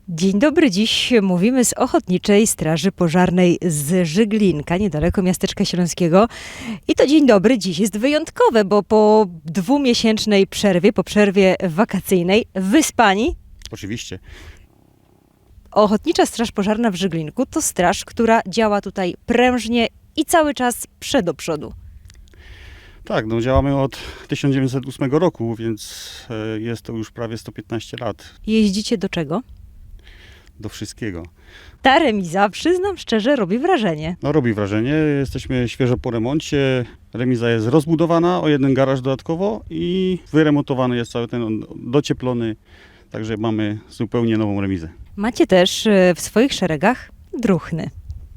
Dzień dobry, dziś mówimy z Ochotniczej Straży Pożarnej z Żyglinka, niedaleko miasteczka śląskiego. I to dzień dobry dziś jest wyjątkowe, bo po dwumiesięcznej przerwie, po przerwie wakacyjnej, wyspani. Oczywiście. Ochotnicza Straż Pożarna w Żyglinku to straż, która działa tutaj prężnie i cały czas do przodu. Tak, no działamy od 1908 roku, więc jest to już prawie 115 lat. Jeździcie do czego? Do wszystkiego. Ta remiza, przyznam szczerze, robi wrażenie. No robi wrażenie, jesteśmy świeżo po remoncie. Remiza jest rozbudowana o jeden garaż dodatkowo i wyremontowany jest cały ten, docieplony. Także mamy zupełnie nową remizę. Macie też w swoich szeregach druhny.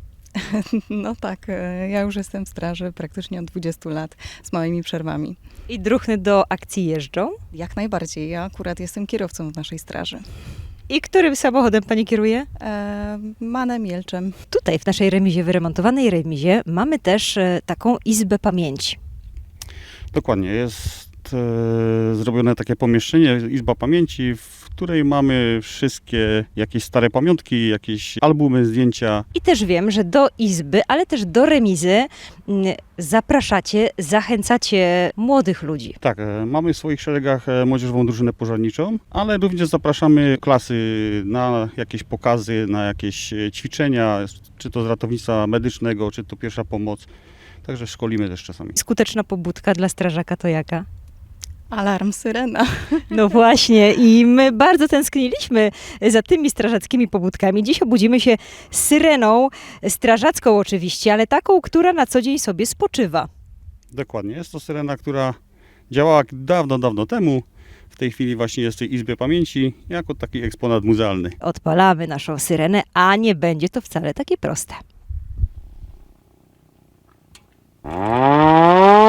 No tak, ja już jestem w straży praktycznie od 20 lat z małymi przerwami. I druhny do akcji jeżdżą. Jak najbardziej, ja akurat jestem kierowcą w naszej straży. I którym samochodem pani kieruje? Manem Jelczem. Tutaj w naszej remizie, wyremontowanej remizie, mamy też taką izbę pamięci. Dokładnie, jest zrobione takie pomieszczenie, izba pamięci, w której mamy wszystkie jakieś stare pamiątki, jakieś albumy, zdjęcia. I też wiem, że do izby, ale też do remizy zapraszacie, zachęcacie młodych ludzi. Tak, mamy w swoich szeregach młodzieżową drużynę pożarniczą, ale również zapraszamy klasy na jakieś pokazy, na jakieś ćwiczenia, czy to z ratownictwa medycznego, czy to pierwsza pomoc. Także szkolimy też czasami. Skuteczna pobudka dla strażaka to jaka? Alarm, syrena. No właśnie i my bardzo tęskniliśmy za tymi strażackimi pobudkami. Dziś obudzimy się z syreną, strażacką oczywiście, ale taką, która na co dzień sobie spoczywa. Dokładnie, jest to syrena, która działała dawno, dawno temu. W tej chwili właśnie jest w tej izbie pamięci jako taki eksponat muzealny. Odpalamy naszą syrenę, a nie będzie to wcale takie proste.